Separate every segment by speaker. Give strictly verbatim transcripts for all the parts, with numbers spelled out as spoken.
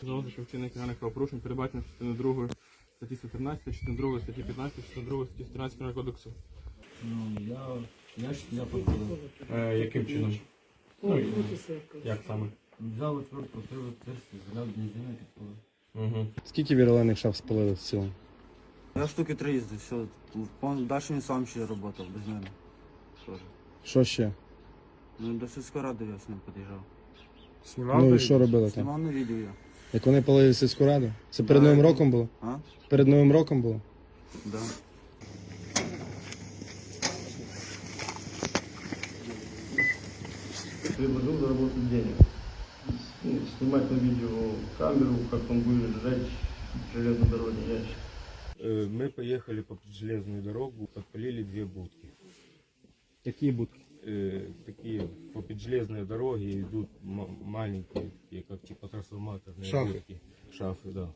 Speaker 1: встановити, що вчинення кримінальних правопорушень передбачено частиною другої статті сто тринадцять, частиною другої статті п'ятнадцять, частиною другої статті сто тринадцять Кримінального кодексу.
Speaker 2: Ну, я, я ж я подпалив.
Speaker 1: Е, яким чином? Ну, і як саме?
Speaker 2: Взяв отвертку, відкрив тесті, заляв бензину і підпалив.
Speaker 1: Угу.
Speaker 3: Скільки вірлених шаф спалили в цілому?
Speaker 2: Я штуки три їздив, все. Далі він сам ще працював, без мене. Тоже.
Speaker 3: Що ще?
Speaker 2: Ну, до сільської ради я з ним під'їжджав.
Speaker 3: Ну і що робили там?
Speaker 2: Знімав на відео я.
Speaker 3: Як вони палили сільську раду? Це перед
Speaker 2: Да,
Speaker 3: Новим
Speaker 2: я-
Speaker 3: роком було?
Speaker 2: А?
Speaker 3: Перед Новим роком було?
Speaker 2: Да.
Speaker 4: Предложил заработать денег. Ну, снимать на видео камеру, как он будет сжечь железной дороге ящик.
Speaker 5: Э, Мы поехали по железную дорогу, подпалили две будки.
Speaker 1: Які будки?
Speaker 5: Э, Такие по поджелезной дороге идут м- маленькие, такие, как типа трансформаторные
Speaker 3: Шафы.
Speaker 5: будки. Шафы, да.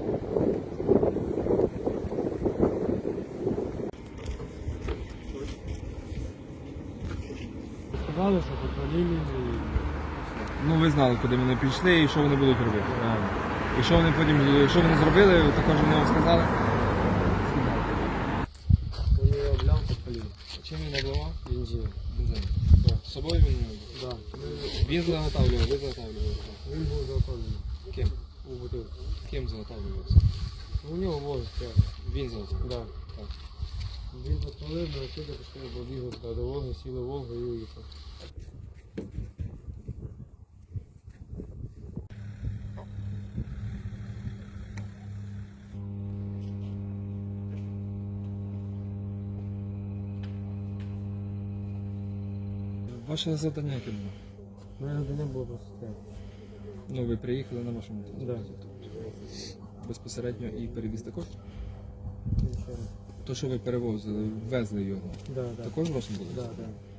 Speaker 1: Сказали, що подпалили. Ну ви знали, куди вони пішли і що вони будуть робити. Правильно. І що вони потім, що вони зробили, також вони вам сказали?
Speaker 6: Вони його обляв, підпалив.
Speaker 1: Чим він обливав?
Speaker 6: Бензином.
Speaker 1: Бензин. З собою він не
Speaker 6: Да.
Speaker 1: Він заготавлював, ви заготавлювали.
Speaker 6: Він був заготовлений
Speaker 1: Ким?
Speaker 6: у бутилку.
Speaker 1: Ким заготавлювався?
Speaker 6: У нього воз стояв.
Speaker 1: Він заготавлював.
Speaker 6: Да.
Speaker 1: Так.
Speaker 6: Він підпалив, на отсюди пішли, побігли туди до Волги, сіли в Волгу і уїхав.
Speaker 1: Ваше завдання яке було?
Speaker 6: У мене не було просто стояти.
Speaker 1: Ну ви приїхали на вашому транспорті.
Speaker 6: Да.
Speaker 1: Безпосередньо і перевіз також?
Speaker 6: Нічого.
Speaker 1: То, що ви перевозили, везли його,
Speaker 6: Да, да.
Speaker 1: також вашим було?
Speaker 6: Да, да.